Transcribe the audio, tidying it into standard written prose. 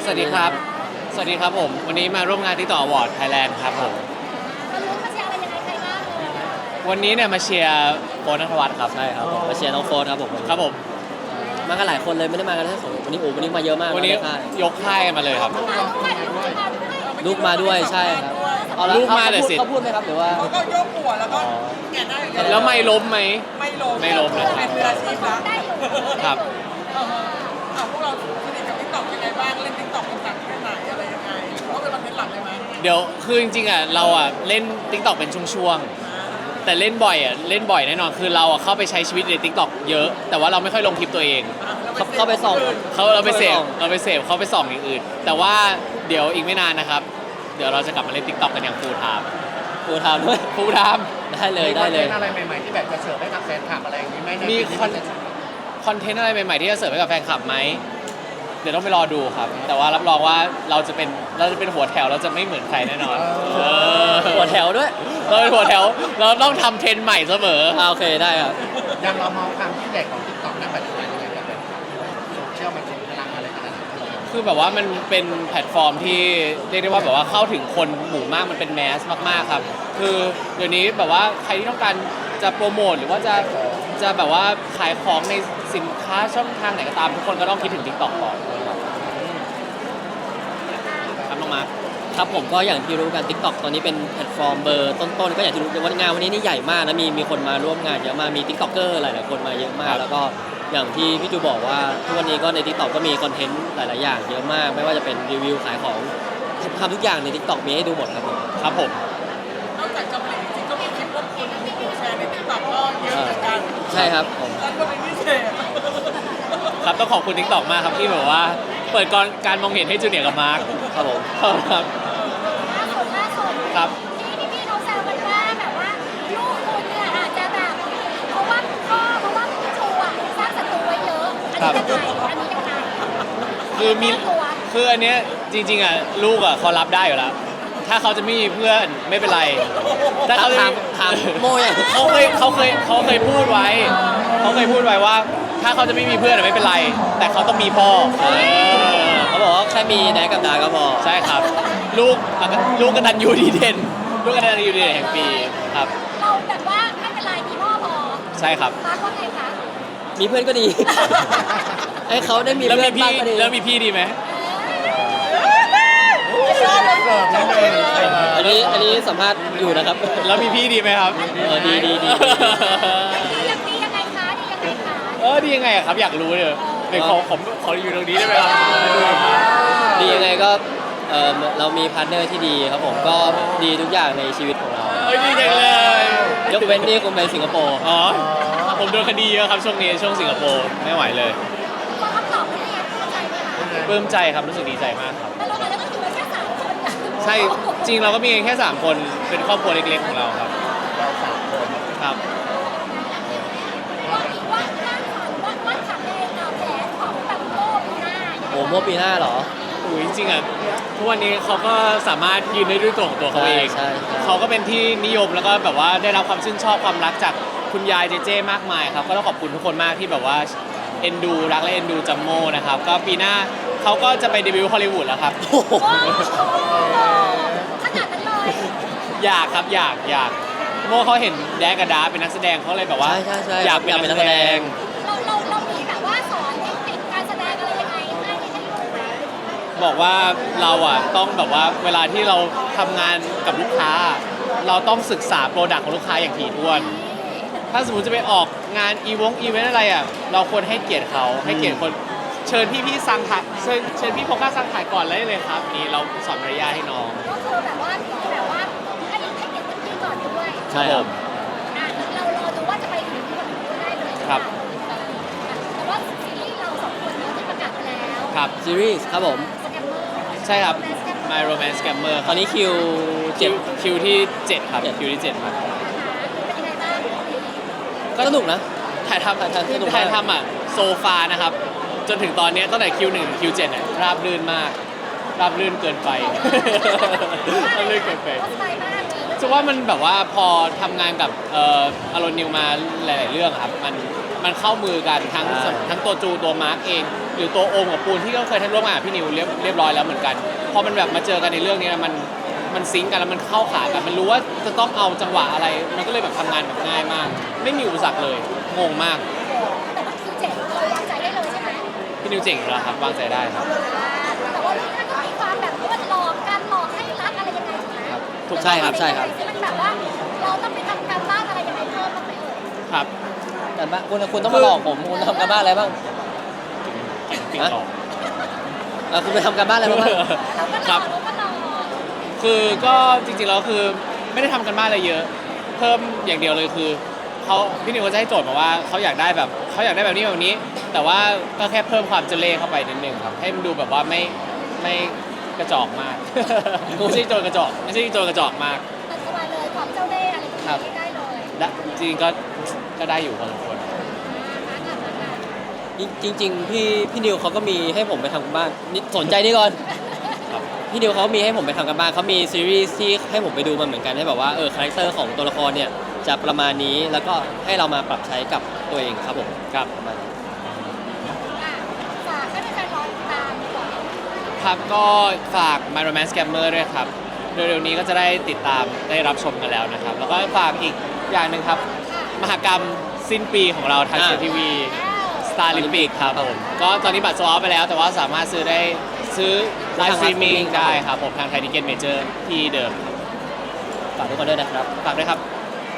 สวัสดีครับ สวัสดีครับผม วันนี้มาร่วมงานที่ต่ออวอร์ดไทยแลนด์ครับผมมาลุ้นมาเชียร์อะไรยังไงใครบ้างเลยวันนี้เนี่ยมาเชียร์โฟนนัทวัฒน์ครับใช่ครับผมมาเชียร์น้องโฟนครับผมครับผมมากันหลายคนเลยไม่ได้มากันแค่สองวันนี้โอ้วันนี้มาเยอะมากวันนี้ใช่ยกค่ายกันมาเลยครับมาด้วยมาด้วยลูกมาด้วยใช่ครับเอาละลูกมาเลยสิเขาพูดไหมครับหรือว่าเขาก็ยกหัวแล้วก็แงะได้แล้วไม่ล้มไหมไม่ล้มไม่ล้มนะเป็นมืออาชีพแล้วได้อยู่ครับพวกเราสนิทกับทิกตอกยังไงบ้างเล่นทิกตอกเป็นหลักแค่ไหนอะไรยังไงหรือว่าเป็นคอนเทนต์หลักเลยไหมเดี๋ยวคือจริงๆอ่ะเราอ่ะเล่น TikTok เป็นช่วงๆ แต่เล่นบ่อยอ่ะเล่นบ่อยแน่นอน คือเราอ่ะเข้าไปใช้ชีวิตใน TikTok เยอะ แต่ว่าเราไม่ค่อยลงคลิปตัวเองเขาไปส่องเราไปเสพเขาไปส่องอย่างอื่น แต่ว่าเดี๋ยวอีกไม่นานนะครับ เดี๋ยวเราจะกลับมาเล่น TikTok กันอย่าง full time ฟูทามด้วย full time ได้เลยได้เลยอะไรใหม่ๆที่แบบจะเสิร์ฟให้กับแฟนคลับอะไรอย่างนี้ไหมในมีปีนี้คอนเทนต์อะไรใหม่ๆที่จะเสิร์ฟให้กับแฟนคลับไหม เดี๋ยวต้องไปรอดูครับ แต่ว่ารับรองว่าเราจะเป็นหัวแถวเราจะไม่เหมือนใครแน่นอนเออหัวแถวด้วยเราเป็นหัวแถวเราต้องทำเทรนด์ใหม่เสมอโอเคได้ครับยังเรามองความที่ใหญ่ของทิกตอกในปัจจุบันยังไงกับแบบโซเชียลมันส่งพลังอะไรขนาดนั้นคือแบบว่ามันเป็นแพลตฟอร์มที่เรียกได้ว่าแบบว่าเข้าถึงคนหมู่มากมันเป็นแมสมากๆครับ คือเดี๋ยวนี้แบบว่าใครที่ต้องการจะโปรโมทหรือว่าจะแบบว่าขายของในสินค้าช่องทางไหนก็ตามทุกคนก็ต้องคิดถึง TikTok ก่อนครับน้องมาร์คครับผมก็อย่างที่รู้กัน TikTok ตอนนี้เป็นแพลตฟอร์มเบอร์ต้นๆก็อย่างที่รู้ว่างานวันนี้นี่ใหญ่มากนะมีคนมาร่วมงานเยอะมากมี TikToker หลายๆคนมาเยอะมาก แล้วก็อย่างที่พี่จูบอกว่าทุกวันนี้ก็ใน TikTok ก็มีคอนเทนต์หลายๆอย่างเยอะมาก ไม่ว่าจะเป็นรีวิวขายของทำทุกอย่างใน TikTok มีให้ดูหมดครับผมครับผมนอกจากจำเลยจริงๆก็มีคลิปว่าคุณแชร์ในทิกตอกก็เยอะเหมือนกันใช่ครับผมแล้วก็เป็นพิเศษครับต้องขอบคุณ TikTok มากครับที่แบบว่าเปิดการมองเห็นให้จูเนียร์กับมาร์คครับผมครับล่าสุดครับที่พี่เขาแซวกันว่าแบบว่าลูกคุณเนี่ยอาจจะแบบเพราะว่าพี่ชูอ่ะสร้างศัตรูไว้เยอะอันนี้ยังไงคือมีตัวคืออันเนี้ยจริงๆอ่ะลูกอ่ะเขารับได้อยู่แล้ว ถ้าเขาจะไม่มีเพื่อนไม่เป็นไรถ้าเขาจะถามโมยังเขาเคยพูดไว้ว่า ถ้าเขาจะไม่มีเพื่อนอะไม่เป็นไร แต่เขาต้องมีพ่อเขาบอกว่าแค่มีแดกกับดาก็พอใช่ครับ ลูกกตัญญูดีเด่นลูกกตัญญูดีเด่นแห่งปีครับเราแบบว่าไม่เป็นไรมีพ่อพอใช่ครับมาร์คว่าไงคะมีเพื่อนก็ดี ให้เขาได้มีแล้วเพื่มีอนพี่บ้างก็ดีแล้วมีพี่ดีไหมเสิร์ฟนิดนึงอันนี้สัมภาษณ์อยู่นะครับแล้วมีพี่ดีไหมครับดีดียังไงคะดียังไงคะดียังไงอะครับอยากรู้เลยเดี๋ยวขออยู่ตรงนี้ได้ไหมครับดียังไงก็เรามีพาร์ทเนอร์ที่ดีครับผมก็ดีทุกอย่างในชีวิตของเราดีจังเลยยกเว้นที่คุณไปสิงคโปร์อ๋อผมโดนคดีเยอะครับช่วงนี้ช่วงสิงคโปร์ไม่ไหวเลยพอคำตอบไม่ได้เข้าใจไหมคะปลื้มใจครับรู้สึกดีใจมากครับแต่เราก็คือแค่3 คนนะใช่จริงเราก็มีแค่3คนเป็นครอบครัวเล็กๆของเราครับเราสามคนครับว่าขับในแผนของตังโก้ปีหน้าโอ้เมื่อปีหน้าเหรออุ้ยจริงๆอ่ะทุกวันนี้เขาก็สามารถยืนได้ด้วยตัวของตัวเขาเองใช่เขาก็เป็นที่นิยมแล้วก็แบบว่าได้รับความชื่นชอบความรักจากคุณยายเจเจมากมายครับก็ต้องขอบคุณทุกคนมากที่แบบว่าเอ็นดูรักและเอ็นดูจัมโม่นะครับก็ปีหน้าเขาก็จะไปเดบิวต์ฮอลลีวูดแล้วครับโอ้โหขนาดนั้นเลยอยากครับอยากโม่เขาเห็นแดกกับดาเป็นนักแสดงเขาเลยแบบว่าใช่อยากเป็นนักแสดงเรามีแบบว่าสอนเทคนิคการแสดงอะไรยังไงให้ลูกไหมบอกว่าเราอ่ะต้องแบบว่าเวลาที่เราทำงานกับลูกค้า เราต้องศึกษาโปรดักต์ของลูกค้าอย่างถี่ถ้วน ถ้าสมมติจะไปออกงานอีเวนต์อะไรอ่ะเราควรให้เกียรติเขาให้เกียรติคนเชิญพี่ซังถ่ายเชิญพี่โฟกัสซังถ่ายก่อนเลยครับนี่เราสอนมารยาทให้น้องก็คือแบบว่าให้เกียรติพี่ก่อนด้วยใช่ครับเรารอดูว่าจะไปถึงคนนู้นได้เลยครับแต่ว่าซีรีส์เรา2 คนเนี่ยที่ประกาศไปแล้วครับซีรีส์ครับผมสแกมเมอร์ใช่ครับ My Romance Scammer ตอนนี้คิวคิวที่ 7 ครับคิวที่ 7 ครับเป็นยังไงบ้างก็สนุกนะถ่ายทำสนุกมากถ่ายทำอ่ะโซฟานะครับ จนถึงตอนนี้ตั้งแต่คิว1ถึงคิว7เนี่ยราบรื่นมาก ราบรื่นเกินไป ราบรื่นเกินไปก็สบายมากเลยจะว่ามันแบบว่าพอทำงานกับอารอนนิวมาหลาย ๆ เรื่องครับมันเข้ามือกันทั้งตัวจูตัวมาร์กเองหรือตัวโอมกับปูนที่ก็เคยทำร่วมงานกับพี่นิวเรียบร้อยแล้วเหมือนกันพอมันแบบมาเจอกันในเรื่องนี้มันซิงก์กันแล้วมันเข้าขากันมันรู้ว่าจะต้องเอาจังหวะอะไร มันก็เลยแบบทำงานแบบง่ายมาก ไม่มีอุปสรรคเลยงงมากแต่ว่าคิวเจ๋งเราวางใจได้เลยใช่ไหมพี่นิวเจ๋งอยู่แล้วครับวางใจได้ครับแต่ว่าเรื่องนั้นก็มีความแบบว่าหลอกกันหลอกให้รักอะไรยังไงถูกไหมถูกใช่ครับใช่ครับที่มันแบบว่าเราต้องไปทำการบ้านอะไรยังไงเพิ่มบ้างไหมเอ่ยครับกันบ้างคุณต้องมาหลอกผมคุณทำการบ้านอะไรบ้างปิงตองคุณไปทำการบ้านอะไรบ้างเราก็หลครัอบ กเราก็หลอกคือก็จริงๆแล้วคือไม่ได้ทำกันบ้านอะไรเยอะ เพิ่มอย่างเดียวเลยคือพี่นิวเขาจะให้โจทย์มาว่าเขาอยากได้แบบนี้แบบนี้ แต่ว่าก็แค่เพิ่มความเจเล่เข้าไปนิดนึงครับให้มันดูแบบว่าไม่กระจอกมาก ไม่ใช่โจรกระจอกมากตัดเข้ามาเลยความเจ้าเล่ห์อะไรอย่างนี้ได้เลยจริงๆก็ได้อยู่พอสมควรจริงๆพี่นิวเขาก็มีให้ผมไปทำกันบ้านนี่สนใจนี่ก่อนครับพี่นิวเขามีให้ผมไปทำกันบ้านเขามีซีรีส์ที่ให้ผมไปดูมันเหมือนกันให้แบบว่าคาแรคเตอร์ของตัวละครเนี่ยจะประมาณนี้แล้วก็ให้เรามาปรับใช้กับตัวเองครับผมครับประมาณนี้ฝากให้แฟนๆรอติดตามดีกว่าครับก็ฝาก My Romance Scammer ด้วยครับเร็วๆนี้ก็จะได้ติดตามได้รับชมกันแล้วนะครับ แล้วก็ฝากอีกอย่างหนึ่งครับ มหกรรมสิ้นปีของเราทางเซทีวี Star Olympic ครับผมก็ตอนนี้บัตรโซลด์เอาท์ไปแล้ว แต่ว่าสามารถซื้อไลฟ์สตรีมมิ่งได้ครับผมทางไทยทิเก็ตเมเจอร์ที่เดิมฝากทุกคนด้วยนะครับฝากด้วยครับ